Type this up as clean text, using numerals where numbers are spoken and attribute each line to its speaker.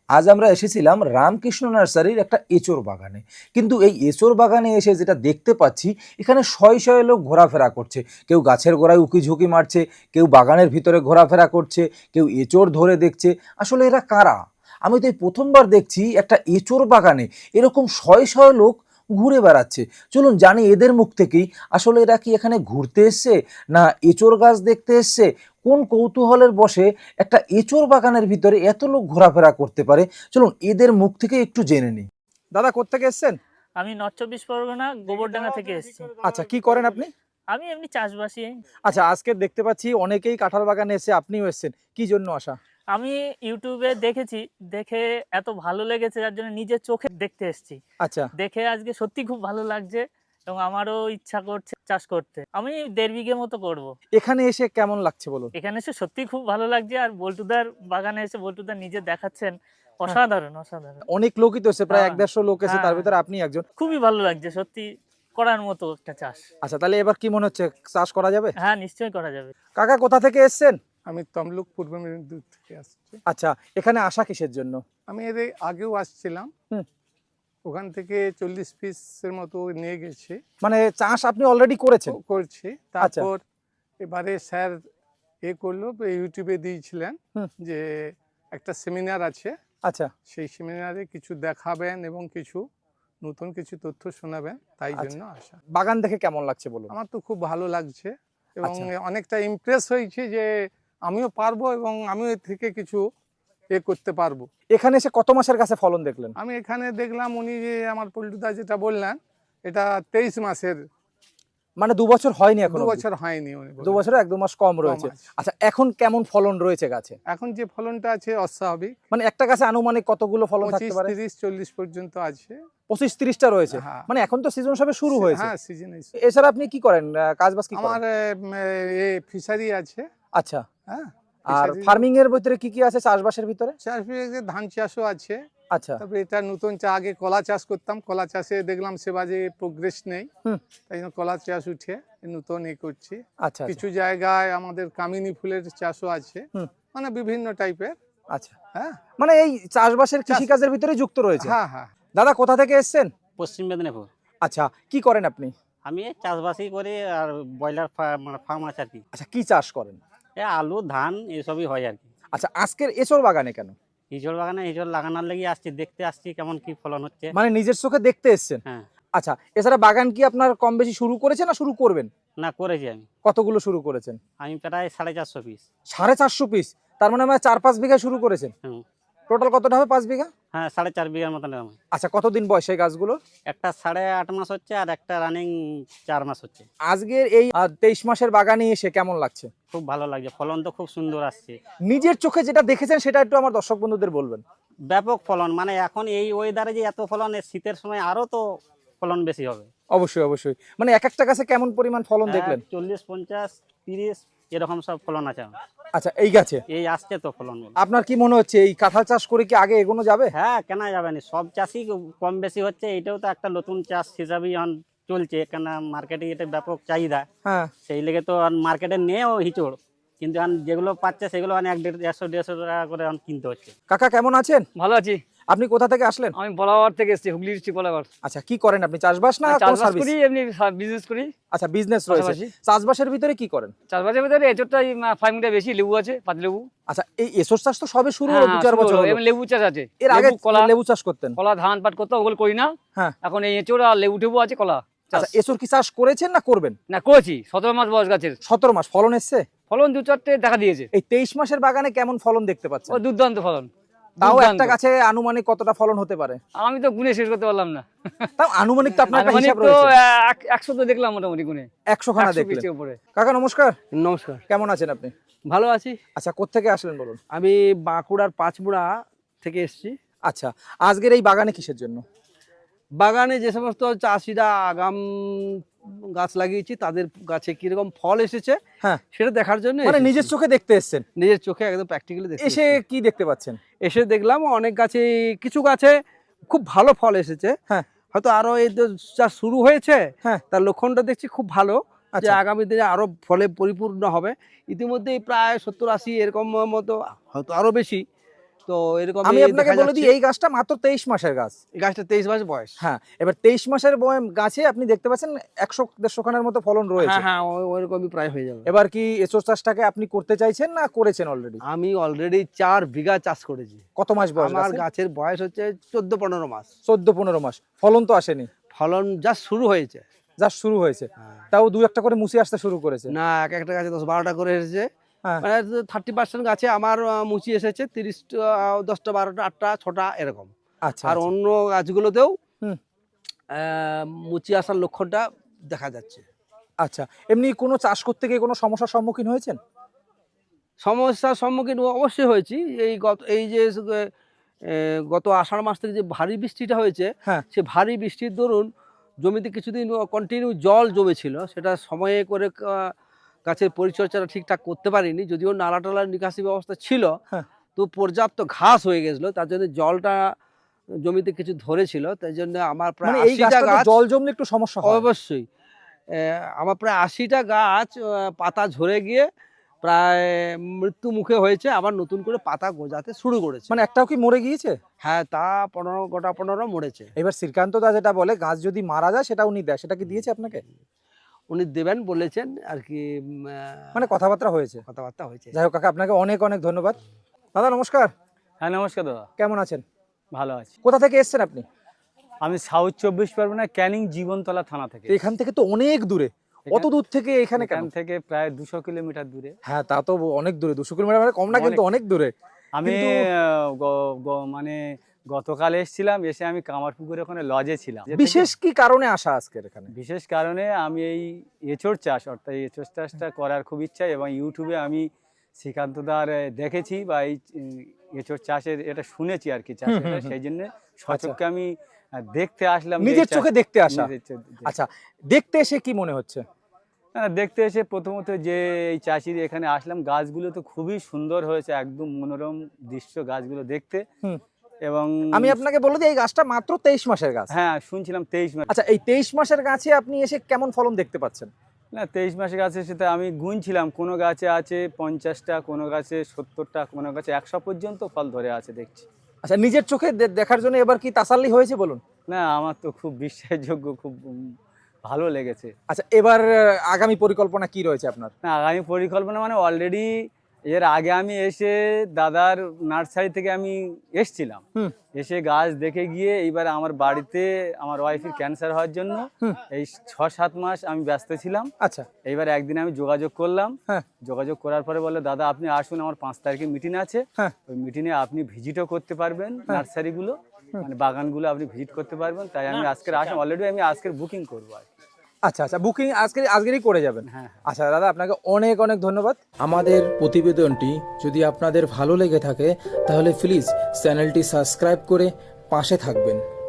Speaker 1: আজ আমরা এসেছিলাম রামকৃষ্ণ নার্সারির একটা এঁচোড় বাগানে। কিন্তু এই এঁচোড় বাগানে এসে যেটা দেখতে পাচ্ছি, এখানে শয়ে শয়ে লোক ঘোরাফেরা করছে। কেউ গাছের গোড়ায় উকি ঝুঁকি মারছে, কেউ বাগানের ভিতরে ঘোরাফেরা করছে, কেউ এঁচোড় ধরে দেখছে। আসলে এরা কারা? আমি তো এই প্রথমবার দেখছি একটা এঁচোড় বাগানে এরকম শয়ে শয়ে লোক ঘুরে বেড়াচ্ছে। চলুন জানি এদের মুখ থেকেই, আসলে এরা কি এখানে ঘুরতে এসছে না এঁচোড় গাছ দেখতে এসছে? কোন কৌতূহলের বশে একটা এঁচোড় বাগানের ভিতরে এত লোক ঘোরাফেরা করতে পারে? চলুন এদের মুখ থেকে একটু জেনে নিই। দাদা, কোত্থেকে এসছেন?
Speaker 2: আমি নর্থ চব্বিশ পরগনা গোবরডাঙ্গা থেকে এসেছি।
Speaker 1: আচ্ছা, কি করেন আপনি?
Speaker 2: আমি এমনি চাষবাসী।
Speaker 1: আচ্ছা, আজকে দেখতে পাচ্ছি অনেকেই কাঁঠাল বাগানে এসে, আপনিও এসেছেন, কি জন্য আসা?
Speaker 2: আমি ইউটিউবে দেখেছি, দেখে এত ভালো লেগেছে যার জন্য নিজের চোখে দেখতে এসেছি।
Speaker 1: আচ্ছা,
Speaker 2: দেখে আজকে সত্যি খুব ভালো লাগছে এবং আমারও ইচ্ছা করছে চাষ করতে। আমি 1.5 বিঘে মতো করব।
Speaker 1: এখানে এসে কেমন লাগছে বলুন?
Speaker 2: এখানে এসে সত্যি খুব ভালো লাগছে, আর বল্টুদার বাগানে এসে বল্টুদা নিজে দেখাচ্ছেন, অসাধারণ অসাধারণ।
Speaker 1: অনেক লোকই তো এসে, প্রায়
Speaker 2: হ্যাঁ,
Speaker 1: 1-150 লোক এসে, তার
Speaker 2: হ্যাঁ,
Speaker 1: ভিতরে আপনি একজন।
Speaker 2: খুবই ভালো লাগছে সত্যি, করার মতো একটা চাষ।
Speaker 1: আচ্ছা, তাহলে এবার কি মনে হচ্ছে, চাষ করা যাবে?
Speaker 2: হ্যাঁ, নিশ্চয়ই করা যাবে।
Speaker 1: কাকা, কোথা থেকে এসেছেন?
Speaker 3: আমি তমলুক পূর্ব মেদিনীপুর থেকে আসছি।
Speaker 1: আচ্ছা, এখানে আসা কিসের জন্য?
Speaker 3: আমি এর আগেও আসছিলাম,
Speaker 1: হুম।
Speaker 3: ওখান থেকে 40 পিসের মতো নিয়ে গেছি,
Speaker 1: মানে চাষ আপনি অলরেডি করেছেন?
Speaker 3: করছি। তারপর এবারে স্যার করলো, ইউটিউবে দিয়েছিলেন
Speaker 1: হুম।
Speaker 3: যে একটা সেমিনার আছে,
Speaker 1: আচ্ছা
Speaker 3: সেই সেমিনারে কিছু দেখাবেন এবং কিছু নতুন কিছু তথ্য শোনাবেন, তাই
Speaker 1: আচ্ছা।
Speaker 3: জন্য আসা।
Speaker 1: বাগান দেখে কেমন লাগছে বলুন?
Speaker 3: আমার তো খুব ভালো লাগছে এবং
Speaker 1: আচ্ছা।
Speaker 3: অনেকটা ইমপ্রেস হয়েছি যে আমিও পারবো এবং আমিও এর থেকে কিছু করতে পারবো।
Speaker 1: এখানে এসে কত মাসের গাছে ফলন দেখলেন?
Speaker 3: আমি এখানে দেখলাম, উনি যে আমার পল্টুদা যেটা বললেন, এটা 23 মাসের,
Speaker 1: মানে 2 বছর হয়নি এখন?
Speaker 3: 2 বছর হয়নি উনি বললেন।
Speaker 1: 2 বছরে 1-2 মাস কম রয়েছে।
Speaker 3: আছে।
Speaker 1: আচ্ছা, এখন কেমন ফলন রয়েছে গাছে?
Speaker 3: এখন যে ফলনটা আছে অস্বাভাবিক,
Speaker 1: মানে একটা গাছে আনুমানিক কতগুলো ফলন
Speaker 3: 25,
Speaker 1: থাকতে পারে?
Speaker 3: 30, 40 পর্যন্ত আছে।
Speaker 1: 25-30টা রয়েছে।
Speaker 3: হ্যাঁ।
Speaker 1: মানে এখন তো সিজন সবে শুরু হয়েছে।
Speaker 3: হ্যাঁ, সিজন।
Speaker 1: এছাড়া আপনি কি করেন, কাজবাজ কি
Speaker 3: আমার
Speaker 1: করেন?
Speaker 3: ফিশারি আছে।
Speaker 1: আচ্ছা।
Speaker 3: হ্যাঁ,
Speaker 1: আর
Speaker 3: fishery-
Speaker 1: ফার্মিং এর ভিতরে কি কি আছে চাষবাসের ভিতরে?
Speaker 3: চাষ ধান চাষও আছে।
Speaker 1: আচ্ছা।
Speaker 3: তারপরে এটা নতুন আগে কলা চাষ করতাম, কলা চাষে দেখলাম সে বাজে প্রোগ্রেস নেই,
Speaker 1: হুম।
Speaker 3: তাই জন্য কলা চাষ উঠে নতুন করছি।
Speaker 1: আচ্ছা।
Speaker 3: কিছু জায়গায় আমাদের কামিনী ফুলের চাষও আছে,
Speaker 1: হুম।
Speaker 3: মানে বিভিন্ন টাইপের।
Speaker 1: আচ্ছা,
Speaker 3: হ্যাঁ
Speaker 1: মানে এই চাষবাসের কৃষিকাজের ভিতরে যুক্ত রয়েছে।
Speaker 3: হ্যাঁ হ্যাঁ।
Speaker 1: দাদা, কোথা থেকে এসেছেন?
Speaker 4: পশ্চিম মেদিনীপুর।
Speaker 1: আচ্ছা, কি করেন আপনি?
Speaker 4: আমি এই চাষবাসই করি, আর ব্রয়লার মানে ফার্ম আছে আর কি।
Speaker 1: আচ্ছা, কি চাষ করেন?
Speaker 4: আলু ধান এসবই হয় আর কি।
Speaker 1: আচ্ছা, আজকের এঁচোড় বাগানে কেন?
Speaker 4: ইঁচড় বাগানে ইঁচড় লাগানোর লেগে আসছি, দেখতে আসছি কেমন কি ফলন হচ্ছে।
Speaker 1: মানে নিজের চোখে দেখতে এসেছেন?
Speaker 4: হ্যাঁ।
Speaker 1: আচ্ছা, এছাড়া বাগান কি আপনার কম বেশি শুরু করেছেন না শুরু করবেন?
Speaker 4: না, করেছি আমি।
Speaker 1: কতগুলো শুরু করেছেন?
Speaker 4: আমি প্রায় 450 পিস।
Speaker 1: 450 পিস? তার মানে আমার 4-5 বিঘা শুরু করেছেন।
Speaker 4: হুম।
Speaker 1: টোটাল কতটা হবে 5 বিঘা?
Speaker 4: হ্যাঁ, 4.5 বিঘার মতন আমার।
Speaker 1: আচ্ছা, কতদিন বয়স এই গাছগুলো?
Speaker 4: একটা 8.5 মাস হচ্ছে আর একটা রানিং 4 মাস হচ্ছে।
Speaker 1: আজকের এই 23 মাসের বাগানে এসে কেমন লাগছে?
Speaker 4: খুব ভালো লাগছে, ফলন তো খুব সুন্দর আসছে।
Speaker 1: নিজের চোখে যেটা দেখেছেন সেটা একটু আমার দর্শক বন্ধুদের বলবেন।
Speaker 4: ব্যাপক ফলন, মানে এখন এই ওয়েদারে যে এত ফলন, শীতের সময় আরো তো ফলন বেশি হবে।
Speaker 1: অবশ্যই অবশ্যই। মানে এক একটা গাছে কেমন পরিমাণ ফলন দেখলেন?
Speaker 4: 40, 50, 30 এরকম সব ফলন আছে আমার।
Speaker 1: আচ্ছা, এই গাছে
Speaker 4: এই আসছে তো ফলন।
Speaker 1: আপনার কি মনে হচ্ছে এই কাঁঠাল চাষ করে কি আগে এগোনো যাবে?
Speaker 4: হ্যাঁ, কেন যাবে না, সব চাষই কম বেশি হচ্ছে, এটাও তো একটা নতুন চাষ হিসাবেই এখন চলছে, কেন মার্কেটে এটা ব্যাপক চাহিদা।
Speaker 1: হ্যাঁ।
Speaker 4: সেই লেগে তো মার্কেটে নেও হিচড়, কিন্তু এখন যেগুলো পাচ্ছে সেগুলো 100-150 টাকা করে এখন কিনতে হচ্ছে।
Speaker 1: কাকা, কেমন আছেন?
Speaker 5: ভালো আছি।
Speaker 1: আপনি কোথা থেকে আসলেন?
Speaker 5: আমি বলাবার থেকে এসেছি, হুগলি ডিস্ট্রিক্ট বলাবার।
Speaker 1: আচ্ছা, কি করেন আপনি, চাষবাস না কোনো
Speaker 5: চাষবাস
Speaker 1: সার্ভিস?
Speaker 5: করি, এমনি বিজনেস করি।
Speaker 1: আচ্ছা, বিজনেস রয়েছে।
Speaker 5: পাশাপাশি।
Speaker 1: চাষবাসের ভিতরে কি করেন?
Speaker 5: চাষবাসের ভিতরে এচোরটাই ফার্মিংটা বেশি, লেবু আছে, পাতিলেবু।
Speaker 1: আচ্ছা, এই এসোর চাষ তো সবে শুরু হলো, 2-4 বছর হলো।
Speaker 5: এমনি লেবু চাষ আছে।
Speaker 1: এর আগে
Speaker 5: লেবু, কলা,
Speaker 1: লেবু চাষ করতেন?
Speaker 5: কলা, ধান পাট করতে, ওগুলো করি না।
Speaker 1: হ্যাঁ।
Speaker 5: এখন এই এচোর আর লেবু টেবু আছে, কলা চাষ।
Speaker 1: আচ্ছা, এসোর কি চাষ করেছেন না করবেন?
Speaker 5: না, করেছি 17 মাস বয়স গাছের।
Speaker 1: 17 মাস ফলন এসছে?
Speaker 5: ফলন 2-4টে দেখা দিয়েছে।
Speaker 1: এই 23 মাসের বাগানে কেমন ফলন দেখতে পাচ্ছেন?
Speaker 5: ও দুর্দান্ত ফলন।
Speaker 1: তাও
Speaker 5: দুর্দান্ত।
Speaker 1: একটা গাছে আনুমানিক কতটা ফলন হতে পারে?
Speaker 5: আমি তো গুনে শেষ করতে পারলাম না।
Speaker 1: তাও আনুমানিক তো আপনার একটা
Speaker 5: আনুমানিক
Speaker 1: হিসাব
Speaker 5: তো
Speaker 1: রয়েছে।
Speaker 5: 100 তো দেখলাম মোটামুটি গুনে।
Speaker 1: 100 খানা
Speaker 5: 100
Speaker 1: দেখলেন।
Speaker 5: পিসের উপরে।
Speaker 1: কাকা, নমস্কার।
Speaker 6: নমস্কার।
Speaker 1: কেমন আছেন আপনি?
Speaker 6: ভালো আছি।
Speaker 1: আচ্ছা, কোত্থেকে আসলেন বলুন?
Speaker 6: আমি বাঁকুড়ার পাঁচমুড়া থেকে এসেছি।
Speaker 1: আচ্ছা, আজকের এই বাগানে কিসের জন্য?
Speaker 6: বাগানে যে সমস্ত চাষিরা আগাম গাছ লাগিয়েছি তাদের গাছে কিরকম ফল এসেছে
Speaker 1: হ্যাঁ।
Speaker 6: সেটা দেখার জন্য
Speaker 1: মানে
Speaker 6: এসেছি।
Speaker 1: নিজের চোখে দেখতে এসেছেন?
Speaker 6: নিজের চোখে একদম প্র্যাকটিক্যালি দেখে
Speaker 1: এসে কি দেখতে পাচ্ছেন?
Speaker 6: এসে দেখলাম অনেক গাছে, কিছু গাছে খুব ভালো ফল এসেছে।
Speaker 1: হ্যাঁ।
Speaker 6: হয়তো আরো এই তো চাষ শুরু হয়েছে,
Speaker 1: হ্যাঁ।
Speaker 6: তার লক্ষণটা দেখছি খুব ভালো, যে
Speaker 1: আচ্ছা।
Speaker 6: আগামী দিনে আরো ফলে পরিপূর্ণ হবে। ইতিমধ্যেই প্রায় 70-80 এরকম মতো, হয়তো আরো বেশি। তো তো এরকম
Speaker 1: আমি আপনাকে বলে দিই, এই গাছটা মাত্র 23 মাসের গাছ।
Speaker 6: এই গাছটা 23 মাস বয়স।
Speaker 1: হ্যাঁ, এবার 23 মাসের গাছে আপনি দেখতে পাচ্ছেন 100-150 খানের মতো ফলন রয়েছে।
Speaker 6: হ্যাঁ হ্যাঁ, ওইরকমই প্রায় হয়ে যাবে।
Speaker 1: এবার কি এঁচোড় চাষটাকে আপনি করতে চাইছেন না করেছেন অলরেডি?
Speaker 6: আমি অলরেডি 4 বিঘা চাষ করেছি।
Speaker 1: কত মাস বয়স
Speaker 6: আমার
Speaker 1: গাছের?
Speaker 6: গাছের বয়স হচ্ছে 14-15 মাস।
Speaker 1: 14-15 মাস, ফলন তো আসেনি?
Speaker 6: ফলন জাস্ট শুরু হয়েছে।
Speaker 1: জাস্ট শুরু হয়েছে, তাও 2-1টা করে মুচি আসতে শুরু করেছে।
Speaker 6: না, এক একটা গাছে 10-12টা করে এসেছে।
Speaker 1: হ্যাঁ।
Speaker 6: মানে 30% গাছে আমার মুচি এসেছে, 10টা 12টা 8টা 6টা এরকম।
Speaker 1: আচ্ছা,
Speaker 6: আর অন্য গাছগুলোতেও
Speaker 1: হুম।
Speaker 6: মুচি আসার লক্ষণটা দেখা যাচ্ছে।
Speaker 1: আচ্ছা, এমনি কোনো চাষ করতে গিয়ে কোনো সমস্যার সম্মুখীন হয়েছেন?
Speaker 6: সমস্যার সম্মুখীন অবশ্যই হয়েছি। এই যে গত আষাঢ় মাস থেকে যে ভারী বৃষ্টিটা হয়েছে,
Speaker 1: হ্যাঁ।
Speaker 6: সে ভারী বৃষ্টির দরুন জমিতে কিছুদিন কন্টিনিউ জল জমেছিল। সেটা সময়ে করে গাছের পরিচর্যাটা ঠিকঠাক করতে পারিনি, যদিও নালা টালার নিকাশি ব্যবস্থা ছিল।
Speaker 1: হ্যাঁ।
Speaker 6: তো পর্যাপ্ত ঘাস হয়ে গেছিলো, তার জন্য জলটা জমিতে কিছু ধরেছিল। তাই জন্য আমার প্রায়
Speaker 1: মানে এই
Speaker 6: 80টা
Speaker 1: গাছটা
Speaker 6: গাছ,
Speaker 1: জল জমলে একটু সমস্যা হয়।
Speaker 6: অবশ্যই আমার প্রায় 80টা গাছ পাতা ঝরে গিয়ে প্রায় মৃত্যু মুখে হয়েছে, আবার নতুন করে পাতা গজাতে শুরু করেছে।
Speaker 1: মানে একটাও কি মরে গিয়েছে?
Speaker 6: হ্যাঁ, তা 15 মরেছে।
Speaker 1: এবার শ্রীকান্ত দা যেটা বলে গাছ যদি মারা যায় সেটা উনি দেয়, সেটা কি দিয়েছে আপনাকে?
Speaker 6: উনি দেবেন বলেছেন আর কি,
Speaker 1: মানে কথাবার্তা হয়েছে।
Speaker 6: কথাবার্তা হয়েছে।
Speaker 1: যাই হোক কাকা, আপনাকে অনেক অনেক ধন্যবাদ। দাদা নমস্কার,
Speaker 2: হ্যাঁ নমস্কার দাদা,
Speaker 1: কেমন আছেন?
Speaker 2: ভালো আছি।
Speaker 1: কোথা থেকে এসেছেন আপনি?
Speaker 2: আমি সাউথ 24 পরগনা ক্যানিং জীবনতলা থানা থেকে।
Speaker 1: এখান থেকে তো অনেক দূরে, অত দূর থেকে এখানে কেন?
Speaker 2: এখান থেকে প্রায় 200 কিলোমিটার দূরে।
Speaker 1: হ্যাঁ, তা তো অনেক দূরে, 200 কিলোমিটার মানে কম না, কিন্তু অনেক দূরে।
Speaker 2: আমি
Speaker 1: কিন্তু-
Speaker 2: মানে গতকাল এসেছিলাম, এসে আমি কামারপুকুরে ওখানে লজে ছিলাম।
Speaker 1: বিশেষ কি কারণে আসা আজকের এখানে?
Speaker 2: বিশেষ কারণে আমি এই এঁচোড় চাষ, অর্থাৎ এঁচোড় চাষটা করার খুব ইচ্ছা, এবং ইউটিউবে আমি শ্রীকান্তদার দেখেছি বা এই এঁচোড় চাষের এটা শুনেছি আর কি, চাষটা, সেই জন্য সচক্ষে আমি দেখতে আসলাম।
Speaker 1: নিজের চোখে দেখতে আসা।
Speaker 2: নিজের চোখে।
Speaker 1: আচ্ছা, দেখতে এসে কি মনে হচ্ছে?
Speaker 2: দেখতে এসে প্রথমত যে এই চাষির এখানে আসলাম, গাছগুলো তো খুবই সুন্দর হয়েছে, একদম মনোরম দৃশ্য গাছগুলো দেখতে। এবং
Speaker 1: আমি আপনাকে বলে দিই, এই গাছটা মাত্র 23 মাসের গাছ।
Speaker 2: হ্যাঁ, শুনছিলাম 23 মাস।
Speaker 1: আচ্ছা, এই 23 মাসের গাছে আপনি এসে কেমন ফলন দেখতে পাচ্ছেন?
Speaker 2: না, 23 মাসের গাছের সাথে আমি গুনছিলাম, কোনো গাছে আছে 50টা, কোনো গাছে 70টা, কোনো গাছে 100 পর্যন্ত ফল ধরে আছে দেখছি।
Speaker 1: আচ্ছা, নিজের চোখে দেখার জন্য এবার কি তাসাল্লি হয়েছে বলুন?
Speaker 2: না, আমার তো খুব বিশ্বাসযোগ্য, খুব ভালো লেগেছে।
Speaker 1: আচ্ছা, এবার আগামী পরিকল্পনা কি রয়েছে আপনার?
Speaker 2: না, আগামী পরিকল্পনা মানে অলরেডি এর আগে আমি এসে দাদার নার্সারি থেকে আমি এসছিলাম, এসে গাছ দেখে গিয়ে এইবার আমার বাড়িতে আমার ওয়াইফের ক্যান্সার হওয়ার জন্য এই 6-7 মাস আমি ব্যস্ত ছিলাম।
Speaker 1: আচ্ছা,
Speaker 2: এইবার একদিন আমি যোগাযোগ করলাম,
Speaker 1: হ্যাঁ।
Speaker 2: যোগাযোগ করার পরে বললো, দাদা আপনি আসুন, আমার 5 তারিখে মিটিং আছে,
Speaker 1: হ্যাঁ।
Speaker 2: ওই মিটিংয়ে আপনি ভিজিটও করতে পারবেন, নার্সারিগুলো মানে বাগানগুলো আপনি ভিজিট করতে পারবেন। তাই আমি আজকের আসলাম, অলরেডি আমি আজকের বুকিং করবো আর কি।
Speaker 1: আচ্ছা, আচ্ছা, বুকিং আজকেরই করে যাবেন?
Speaker 2: হ্যাঁ।
Speaker 1: আচ্ছা দাদা, আপনাকে অনেক অনেক ধন্যবাদ। আমাদের প্রতিবেদনটি যদি আপনাদের ভালো লেগে থাকে তাহলে প্লিজ চ্যানেলটি সাবস্ক্রাইব করে পাশে থাকবেন।